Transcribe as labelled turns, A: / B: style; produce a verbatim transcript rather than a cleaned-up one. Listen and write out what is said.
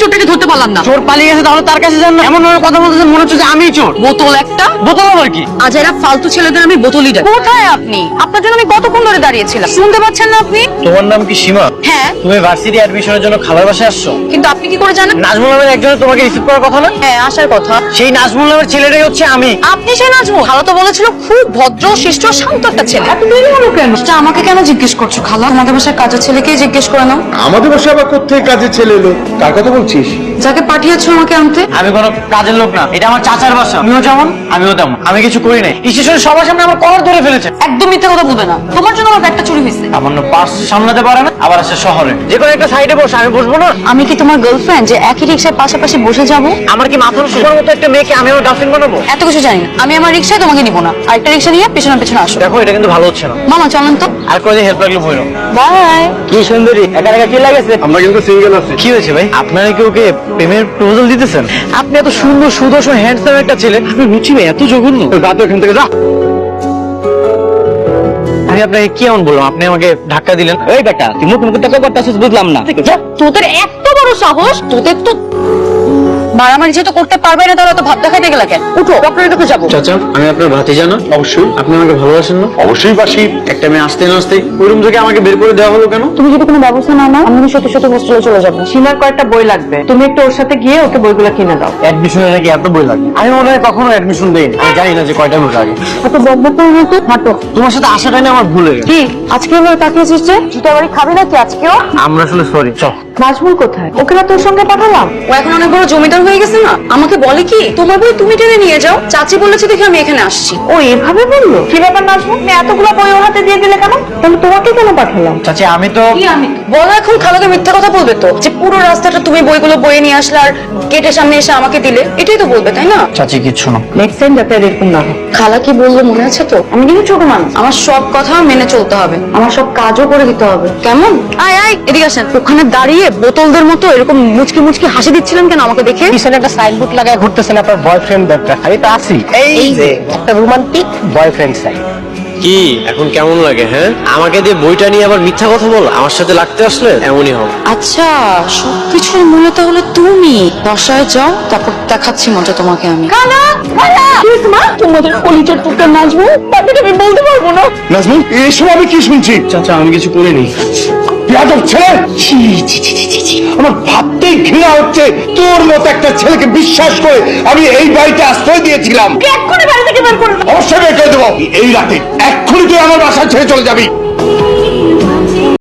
A: চোরটাকে ধরতে পারলাম না।
B: চোর পালিয়ে গেছে, তাহলে তার কাছে যান না। এমন ভাবে কথা বলতেছেন মনে হচ্ছে যে আমি চোর।
A: বোতল একটা।
B: বোতল আবার কি?
A: আজ এরা ফালতু ছেলেদের আমি বোতলই ডাকি। কোথায় আপনি? আপনার জন্য আমি কতক্ষণ ধরে দাঁড়িয়েছিলাম, শুনতে পাচ্ছেন না আপনি?
B: তোমার নাম কি সীমা?
A: হ্যাঁ।
B: তুমি ভার্সিটি অ্যাডমিশনের জন্য খালার বাসায় আসছো?
A: কিন্তু আপনি কি করে জানেন?
B: নাজমুল নামের একজনের তোমাকে রিসিভ করার কথা না?
A: হ্যাঁ, আসার কথা।
B: সেই নাজমুল নামের ছেলেটাই হচ্ছে আমি।
A: আপনি সেই নাজমুল? খালা তো বলেছিল খুব ভদ্র শিষ্ট শান্ত একটা ছেলে। এত দেরি হলো কেন? সেটা আমাকে কেন জিজ্ঞেস করছো খালা? আমাদের বাসার কাজের ছেলেকেই জিজ্ঞেস করে নাও।
C: আমাদের বাসায় আবার কোত্থেকে কাজের ছেলে এলো? কার কথা বলছিস?
A: যাকে পাঠিয়েছো আমাকে আনতে।
B: আমি কোনো কাজের লোক না, এটা আমার চাচার বাসা। তুমিও যেমন আমিও তেমন। আমি কিছু করি নাই। স্টেশনে সবার সামনে আমার কলার ধরে ফেলেছে।
A: একদম মিথ্যা কথা বলবে না, তোমার জন্য আমার ব্যাগটা চুরি হয়েছে।
B: সামান্য পার্স সামলাতে পারে না, আবার আসে শহরে। যে কোনো একটা সাইডে বসে আমি বসবো না?
A: আমি কি তোমার গার্লফ্রেন্ড যে একই রিক্সায় পাশাপাশি বসে যাবো?
B: আমার কি মাথার সুপার মতো একটা মেয়েকে আমি আমার গার্লফ্রেন্ড বানাবো?
A: এত কিছু জানি না। আমি আমার রিক্সায় তোমাকে নিবো না, আরেকটা রিক্সা নিয়ে পেছনে পেছনে আসো।
B: দেখো এটা কিন্তু ভালো হচ্ছে না।
A: মামা চলেন তো।
B: আর কোনো হেল্প লাগলে বলো।
A: বাই।
B: কি সুন্দরী, একা একা কি লাগেছে?
C: আমরা কিন্তু সিঙ্গেল আছি।
B: কি হয়েছে ভাই? আপনারা কি ওকে প্রেমের প্রপোজাল দিতেছেন? আপনি এত সুন্দর সুদর্শন হ্যান্ডসাম একটা ছেলে, আপনি রুচি ভাই এত জঘন্য।
C: যা তো এখান থেকে যা।
B: আমি আপনাকে কি এমন বললাম? আপনি আমাকে ধাক্কা দিলেন। এই বেটা, তুই মুখ মুখে টাকা করতেছিস বুঝলাম না।
A: তোদের এত বড় সাহস! তোদের তো মারামারি যেহেতু করতে পারবে না, তাহলে তো ভাত দেখাইতে গেলা কেন? উঠো, ডক্টরের কাছে যাবো।
B: চাচা, আমি আপনার ভাতিজা না?
C: অবশ্যই।
B: আপনি আমাকে ভালোবাসেন না?
C: অবশ্যই বাসি।
B: একটা মেয়ে আসতে না আসতেই ওই রুম থেকে আমাকে বের করে দেওয়া হলো কেন?
A: তুমি যদি কোনো ব্যবস্থা না নাও, আমি সত্যি সত্যি হোস্টেলে চলে যাবো।
D: সীমার কয়েকটা বই লাগবে, তুমি একটু ওর সাথে গিয়ে ওকে বইগুলো কিনে দাও।
B: অ্যাডমিশনে নাকি এত বই লাগে? আমি মনে হয় কখনো অ্যাডমিশন দেইনি। আমি জানি না যে কয়টা বই লাগে।
A: এত বকবক করে তো হাঁটো।
B: তোমার সাথে আসাটাই না আমার ভুল হয়ে গেছে।
A: কি আজকে এভাবে তাকিয়েছিস যে? জুতা বাড়ি খাবি নাকি আজকেও?
B: আমরা আসলে সরি। চল।
D: নাজমুল কোথায়? ওকে না তোর সঙ্গে পাঠালাম।
A: ও এখন অনেক বড় জমিদার হয়ে গেছে না? আমাকে বলে কি তোমার বই তুমি টেনে নিয়ে যাও, চাচি বলেছে দেখে আমি এখানে আসছি।
D: ও এভাবে বললো? কি ব্যাপার নাজমুল, তুমি এতগুলো বই ওর হাতে দিয়ে দিলে কেন? তাহলে তোমাকে কেন পাঠালাম?
B: চাচি আমি তো
A: কি আমি বলো এখন? খালাকে মিথ্যা কথা বলবে তো, যে পুরো রাস্তাটা তুমি বইগুলো বয়ে নিয়ে আসলে আর গেটের সামনে এসে আমাকে দিলে, এটাই তো বলবে তাই না?
B: চাচি কিচ্ছু না।
D: নেক্সট টাইম যাতে এরকম না হয়।
A: খালা কি বললো মনে আছে তো? আমি কিন্তু ছোট মানুষ, আমার সব কথা মেনে চলতে হবে, আমার সব কাজও করে দিতে হবে। কেমন? আয় আয় এদিকে আসেন। ওখানে দাঁড়িয়ে বোতলদের মতো এরকম মুচকি মুচকি হাসি দিচ্ছিলেন কেন আমাকে দেখে?
B: পিছনে একটা সাইনবোর্ড লাগায় ঘুরতেছেন আপনার বয়ফ্রেন্ড দরকার। আমি তো আছি। এই যে একটা রোমান্টিক বয়ফ্রেন্ড সাইড।
E: কি এখন কেমন লাগে? হ্যাঁ, আমাকে দিয়ে বইটা নিয়ে আবার মিথ্যা কথা বল। আমার সাথে লাগতে আসলে এমনই হবে।
A: আচ্ছা, সবকিছুর মূলে তাহলে তুমি। বাসায় যাও, তারপর দেখাচ্ছি মজা তোমাকে আমি। খালা খালা কি মা, তোমাদের কলিজার টুকরা নাজমুল, তাকে আমি বলতে পারবো না।
C: নাজমুল, এসব আমি কি শুনছি?
B: চাচা আমি কিছু করিনি।
C: বেয়াদব ছেলে! ছি, ছি, ছি, ছি, ছি, ছি। আমার ভাবতেই ঘৃণা হচ্ছে, তোর মতো একটা ছেলেকে বিশ্বাস করে আমি এই বাড়িতে আশ্রয় দিয়েছিলাম।
A: এক্ষুনি বাড়ি থেকে বের করে দাও।
C: অবশ্যই বের করে দেবো এই রাতে। এক্ষুনি তুই আমার বাসা ছেড়ে চলে যাবি।